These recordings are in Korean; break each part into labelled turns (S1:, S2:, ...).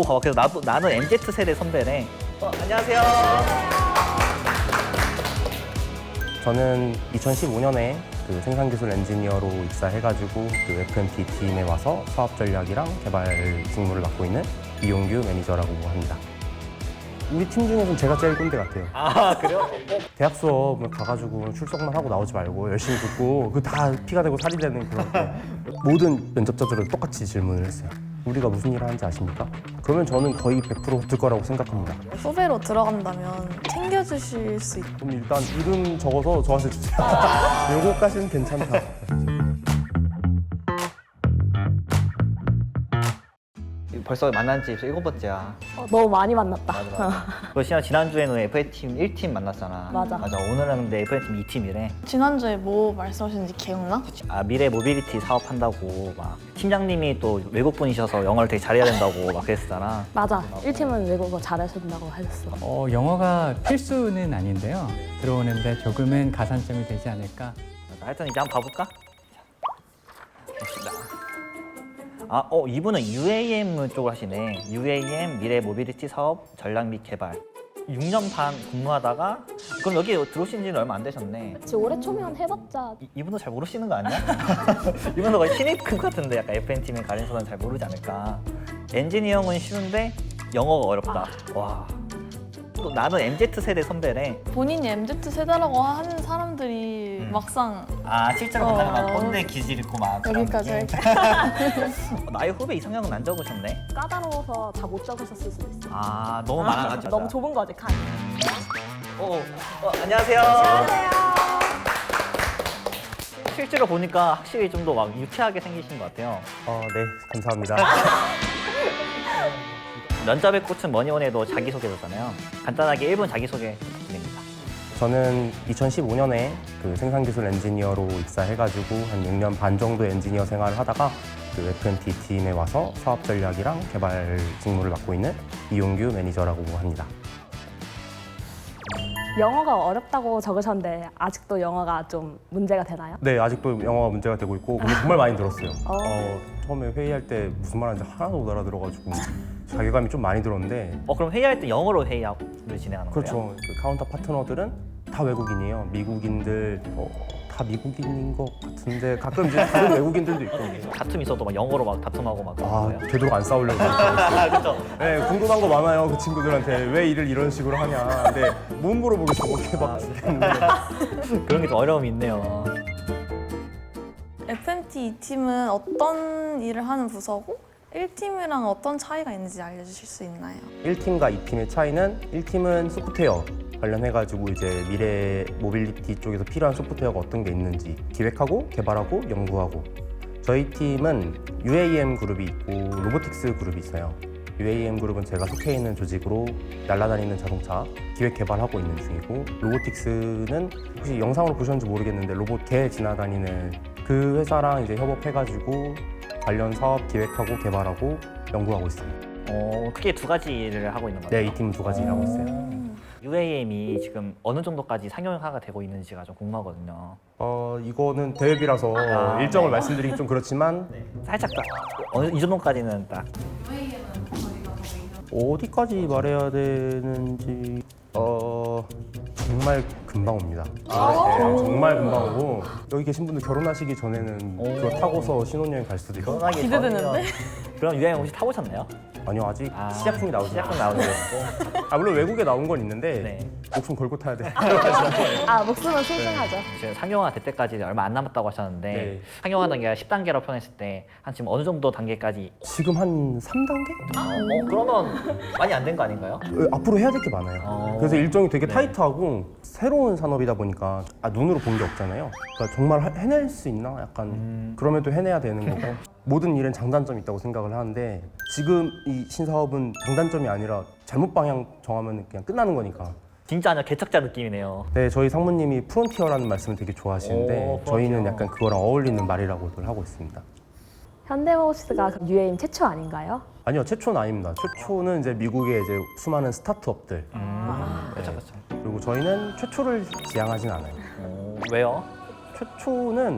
S1: 그래서 나는 MZ 세대 선배래. 안녕하세요.
S2: 저는 2015년에 그 생산기술 엔지니어로 입사해가지고 그 FMT 팀에 와서 사업 전략이랑 개발 직무를 맡고 있는 이용규 매니저라고 합니다. 우리 팀 중에서는 제가 제일 꼰대 같아요.
S1: 아, 그래요?
S2: 대학 수업을 가가지고 출석만 하고 나오지 말고 열심히 듣고 그 다 피가 되고 살이 되는 그런 때 모든 면접자들은 똑같이 질문을 했어요. 우리가 무슨 일을 하는지 아십니까? 그러면 저는 거의 100% 붙을 거라고 생각합니다.
S3: 후배로 들어간다면 챙겨주실 수 있고
S2: 그럼 일단 이름 적어서 저한테 주세요. 요거까지는 괜찮다.
S1: 벌써 만난 지 7번째야.
S4: 너무 많이 만났다.
S1: 맞아. 너 지난주에는 FA팀 1팀 만났잖아.
S4: 맞아.
S1: 오늘은 근데 FA팀 2팀이래.
S3: 지난주에 뭐 말씀하셨는지 기억나?
S1: 아, 미래 모빌리티 사업한다고 막 팀장님이 또 외국분이셔서 영어를 되게 잘해야 된다고 막 그랬었잖아.
S4: 맞아. 1팀은 외국어 잘하셔야 된다고 하셨어.
S5: 영어가 필수는 아닌데요. 들어오는데 조금은 가산점이 되지 않을까.
S1: 하여튼 이제 한번 봐볼까? 봅시다. 이분은 UAM 쪽을 하시네. UAM 미래 모빌리티 사업 전략 및 개발. 6년 반 근무하다가 그럼 여기 들어오신 지는 얼마 안 되셨네.
S4: 지금 올해 초면 해봤자
S1: 이분도 잘 모르시는 거 아니야? 이분도 거의 신입급 같은데 약간 FN팀의 가린서는 잘 모르지 않을까. 엔지니어는 쉬운데 영어가 어렵다. 와. 또 나는 MZ 세대 선배래.
S3: 본인이 MZ 세대라고 하는 사람들이 막상
S1: 실제로 만나면 막 꼰대 기질 있고 막
S3: 여기까지
S1: 그런
S3: 할게.
S1: 나의 후배 이상형은 안 적으셨네.
S4: 까다로워서 다 못 적으셨을 수도 있어.
S1: 너무 많아가지고.
S4: 너무 좁은 거지, 칸.
S1: 안녕하세요. 실제로 보니까 확실히 좀 더 막 유쾌하게 생기신 것 같아요.
S2: 네, 감사합니다.
S1: 면접의 꽃은 뭐니 뭐니 해도 자기소개잖아요. 간단하게 1분 자기소개 부탁드립니다.
S2: 저는 2015년에 그 생산기술 엔지니어로 입사해가지고 한 6년 반 정도 엔지니어 생활을 하다가 그 FMT 팀에 와서 사업 전략이랑 개발 직무를 맡고 있는 이용규 매니저라고 합니다.
S4: 영어가 어렵다고 적으셨는데 아직도 영어가 좀 문제가 되나요?
S2: 네, 아직도 영어가 문제가 되고 있고 근데 정말 많이 들었어요. 처음에 회의할 때 무슨 말하는지 하나도 못 알아들어가지고 자괴감이 좀 많이 들었는데
S1: 그럼 회의할 때 영어로 회의를 진행하는 거예요?
S2: 그렇죠. 그 카운터 파트너들은 다 외국인이에요. 미국인들 다 미국인인 것 같은데 가끔 이제 다른 외국인들도 있고.
S1: 다툼 있어도 막 영어로 막 다툼하고 막 그런 거예요?
S2: 되도록 안 싸우려고 했어요.
S1: 그렇죠.
S2: 네, 궁금한 거 많아요. 그 친구들한테 왜 일을 이런 식으로 하냐. 근데 못 물어보겠어. 이렇게 막 죽겠는데.
S1: 그런 게 좀 어려움이 있네요.
S3: FMT 2팀은 어떤 일을 하는 부서고 1팀이랑 어떤 차이가 있는지 알려주실 수 있나요?
S2: 1팀과 2팀의 차이는 1팀은 소프트웨어 관련해가지고 이제 미래 모빌리티 쪽에서 필요한 소프트웨어가 어떤 게 있는지 기획하고 개발하고 연구하고, 저희 팀은 UAM 그룹이 있고 로보틱스 그룹이 있어요. UAM 그룹은 제가 속해 있는 조직으로 날아다니는 자동차 기획 개발하고 있는 중이고, 로보틱스는 혹시 영상으로 보셨는지 모르겠는데 로봇 개 지나다니는 그 회사랑 이제 협업해가지고 관련 사업 기획하고 개발하고 연구하고 있습니다.
S1: 크게 두 가지 일을 하고 있는 거예요?
S2: 네, 이 팀은 두 가지 일하고 있어요.
S1: UAM이 지금 어느 정도까지 상용화가 되고 있는지가 좀 궁금하거든요.
S2: 이거는 대회비라서 일정을 말씀드리기 좀 그렇지만
S1: 살짝 이 정도까지는 딱.
S2: 어디까지 말해야 되는지 정말 금방 옵니다. 네, 정말 금방 오고 여기 계신 분들 결혼하시기 전에는 그거 타고서 신혼여행 갈 수도 있고.
S1: 결혼하기
S3: 기대되는데?
S1: 전이면 그럼 UAM 혹시 타보셨나요?
S2: 아니요, 아직 시작품이 나오지
S1: 시작품 나오는 거.
S2: 물론 외국에 나온 건 있는데
S1: 네.
S2: 목숨 걸고 타야 돼.
S4: 목숨은 소중하죠.
S1: 지금 상용화 될 때까지 얼마 안 남았다고 하셨는데
S2: 네.
S1: 상용화 단계가 10단계라고 표현했을 때 한 지금 어느 정도 단계까지?
S2: 지금 한 3단계?
S1: 그러면 많이 안 된 거 아닌가요?
S2: 앞으로 해야 될 게 많아요. 그래서 일정이 되게 타이트하고 새로운 산업이다 보니까 눈으로 본 게 없잖아요. 그러니까 정말 해낼 수 있나? 약간 그럼에도 해내야 되는 거고 모든 일엔 장단점이 있다고 생각을 하는데 지금 이 신사업은 장단점이 아니라 잘못 방향 정하면 그냥 끝나는 거니까.
S1: 진짜 아니야 개척자 느낌이네요.
S2: 네, 저희 상무님이 프론티어라는 말씀을 되게 좋아하시는데
S1: 프론티어.
S2: 저희는 약간 그거랑 어울리는 말이라고들 하고 있습니다.
S4: 현대모비스가 UAM 최초 아닌가요?
S2: 아니요, 최초는 아닙니다. 최초는 이제 미국의 이제 수많은 스타트업들
S1: 그렇죠, 그렇죠.
S2: 그리고 저희는 최초를 지향하진 않아요.
S1: 왜요?
S2: 최초는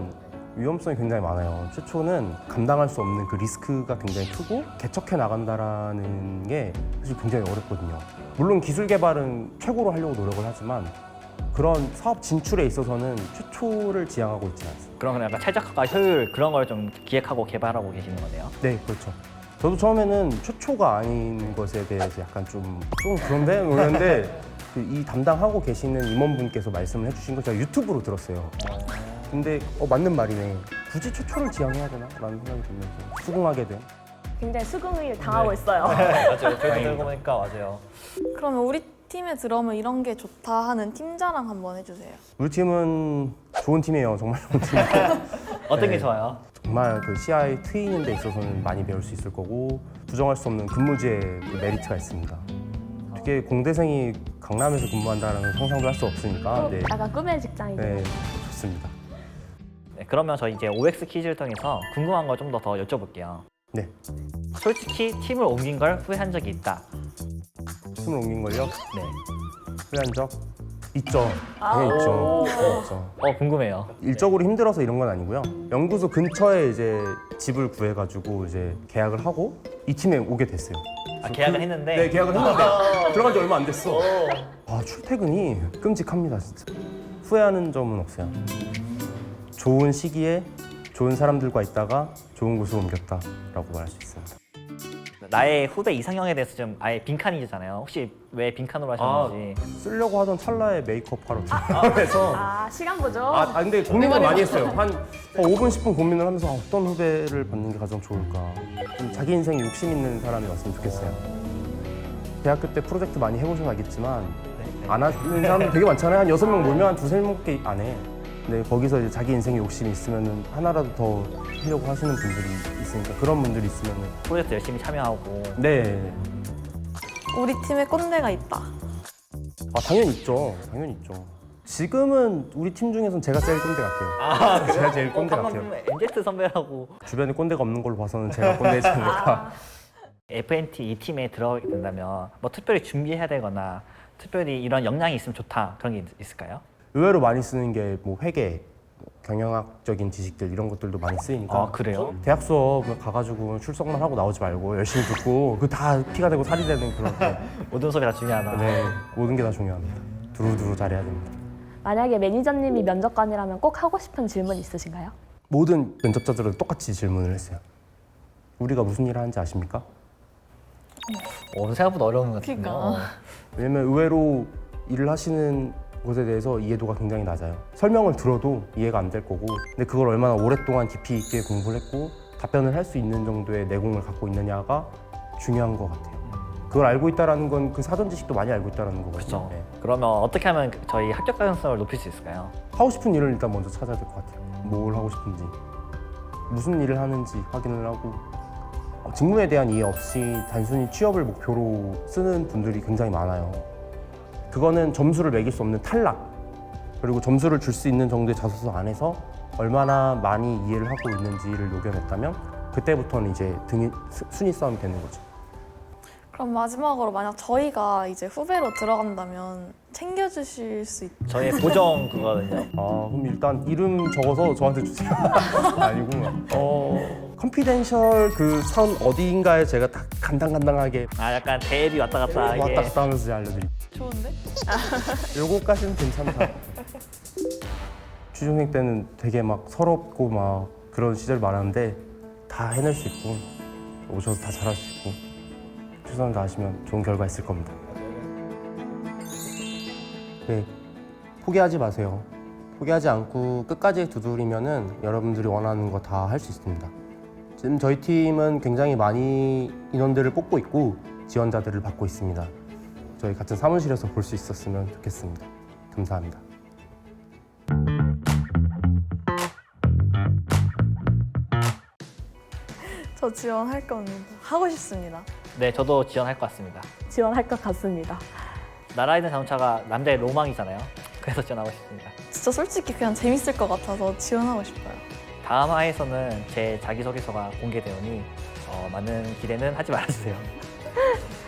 S2: 위험성이 굉장히 많아요. 최초는 감당할 수 없는 그 리스크가 굉장히 크고 개척해 나간다라는 게 사실 굉장히 어렵거든요. 물론 기술 개발은 최고로 하려고 노력을 하지만 그런 사업 진출에 있어서는 최초를 지향하고 있지는 않습니다.
S1: 그런 약간 최적화과 효율 그런 걸 좀 기획하고 개발하고 계시는 거네요.
S2: 네, 그렇죠. 저도 처음에는 최초가 아닌 것에 대해서 약간 좀 그런데 그랬는데 이 담당하고 계시는 임원분께서 말씀을 해주신 거 제가 유튜브로 들었어요. 근데 맞는 말이네. 굳이 최초를 지향해야 되나? 라는 생각이 들면서 수긍하게 된.
S4: 굉장히 수긍을 당하고 있어요.
S1: 맞아요. 저희도 들고 보니까 맞아요.
S3: 그러면 우리 팀에 들어오면 이런 게 좋다 하는 팀 자랑 한번 해주세요.
S2: 우리 팀은 좋은 팀이에요. 정말 좋은 팀이에요.
S1: 어떤 게
S2: 네.
S1: 좋아요?
S2: 정말 그 CI 트이는 데 있어서는 많이 배울 수 있을 거고 부정할 수 없는 근무지의 그 메리트가 있습니다. 특히 공대생이 강남에서 근무한다는 상상도 할 수 없으니까 네,
S4: 약간 꿈의 직장이죠.
S2: 네 좋습니다.
S1: 네, 그러면 저희 이제 OX 퀴즈를 통해서 궁금한 걸 좀 더 여쭤볼게요.
S2: 네,
S1: 솔직히 팀을 옮긴 걸 후회한 적이 있다.
S2: 팀을 옮긴 걸요?
S1: 네.
S2: 후회한 적 있죠. 당연히 있죠. 당연히 있죠.
S1: 궁금해요.
S2: 일적으로 힘들어서 이런 건 아니고요. 연구소 근처에 이제 집을 구해가지고 이제 계약을 하고 이 팀에 오게 됐어요.
S1: 계약을 했는데.
S2: 네, 계약을 했는데 들어간 지 얼마 안 됐어. 아, 출퇴근이 끔찍합니다, 진짜. 후회하는 점은 없어요. 좋은 시기에 좋은 사람들과 있다가 좋은 곳으로 옮겼다라고 말할 수 있습니다.
S1: 나의 후배 이상형에 대해서 좀 아예 빈칸이잖아요. 혹시 왜 빈칸으로 하셨는지.
S2: 쓰려고 하던 찰나에 메이크업 하러 들어가서
S4: 시간 보죠.
S2: 근데 고민을 많이 했어요. 한 5분, 10분 고민을 하면서 어떤 후배를 받는 게 가장 좋을까. 좀 자기 인생에 욕심 있는 사람이 왔으면 좋겠어요. 대학교 때 프로젝트 많이 해보셔서 알겠지만 안 하는 사람들 되게 많잖아요. 한 6명 모이면 한 2-3개 안 해. 근데 거기서 이제 자기 인생에 욕심이 있으면 하나라도 더 하려고 하시는 분들이 있으니까 그런 분들이 있으면
S1: 프로젝트 열심히 참여하고.
S2: 네.
S3: 우리 팀에 꼰대가 있다.
S2: 당연히 있죠. 당연히 있죠. 지금은 우리 팀 중에서는 제가 제일 꼰대 같아요. 제가 제일 꼰대 같아요.
S1: MZ 선배라고.
S2: 주변에 꼰대가 없는 걸로 봐서는 제가 꼰대이지 않을까.
S1: FNT 이 팀에 들어가게 된다면 뭐 특별히 준비해야 되거나 특별히 이런 역량이 있으면 좋다 그런 게 있을까요?
S2: 의외로 많이 쓰는 게 뭐 회계, 경영학적인 지식들 이런 것들도 많이 쓰이니까.
S1: 그래요?
S2: 대학 수업 가가지고 출석만 하고 나오지 말고 열심히 듣고 그 다 피가 되고 살이 되는 그런 거.
S1: 모든 수업이 다 중요하다.
S2: 네, 모든 게 다 중요합니다. 두루두루 잘해야 됩니다.
S4: 만약에 매니저님이 면접관이라면 꼭 하고 싶은 질문 있으신가요?
S2: 모든 면접자들은 똑같이 질문을 했어요. 우리가 무슨 일을 하는지 아십니까?
S1: 생각보다 어려운 것 같은데요.
S3: 그러니까.
S2: 왜냐면 의외로 일을 하시는 곳에 대해서 이해도가 굉장히 낮아요. 설명을 들어도 이해가 안 될 거고 근데 그걸 얼마나 오랫동안 깊이 있게 공부를 했고 답변을 할 수 있는 정도의 내공을 갖고 있느냐가 중요한 것 같아요. 그걸 알고 있다는 건 그 사전 지식도 많이 알고 있다는 거거든요.
S1: 그렇죠.
S2: 네.
S1: 그러면 어떻게 하면 저희 합격 가능성을 높일 수 있을까요?
S2: 하고 싶은 일을 일단 먼저 찾아야 될 것 같아요. 뭘 하고 싶은지, 무슨 일을 하는지 확인을 하고 직무에 대한 이해 없이 단순히 취업을 목표로 쓰는 분들이 굉장히 많아요. 그거는 점수를 매길 수 없는 탈락, 그리고 점수를 줄 수 있는 정도의 자소서 안에서 얼마나 많이 이해를 하고 있는지를 녹여냈다면 그때부터는 이제 순위 싸움이 되는 거죠.
S3: 그럼 마지막으로 만약 저희가 이제 후배로 들어간다면 챙겨주실 수 있...
S1: 저희 보정 그거거든요.
S2: 그럼 일단 이름 적어서 저한테 주세요. 아니고 컨피덴셜 그 선 어디인가에 제가 딱 간당간당하게
S1: 약간 대비 왔다 갔다 이게.
S2: 왔다 갔다 하면서 알려드릴게요.
S3: 좋은데?
S2: 요거까지는 괜찮다. 취준생 때는 되게 막 서럽고 막 그런 시절 많았는데 다 해낼 수 있고 오셔서 다 잘할 수 있고 최선을 다하시면 좋은 결과 있을 겁니다. 네, 포기하지 마세요. 포기하지 않고 끝까지 두드리면은 여러분들이 원하는 거 다 할 수 있습니다. 지금 저희 팀은 굉장히 많이 인원들을 뽑고 있고 지원자들을 받고 있습니다. 저희 같은 사무실에서 볼 수 있었으면 좋겠습니다. 감사합니다.
S3: 저 지원할 겁니다. 하고 싶습니다.
S1: 네, 저도 지원할 것 같습니다.
S4: 지원할 것 같습니다.
S1: 나라이든 자동차가 남자의 로망이잖아요. 그래서 지원하고 싶습니다.
S3: 진짜 솔직히 그냥 재밌을 것 같아서 지원하고 싶어요.
S1: 다음 화에서는 제 자기소개서가 공개되오니 많은 기대는 하지 말아주세요.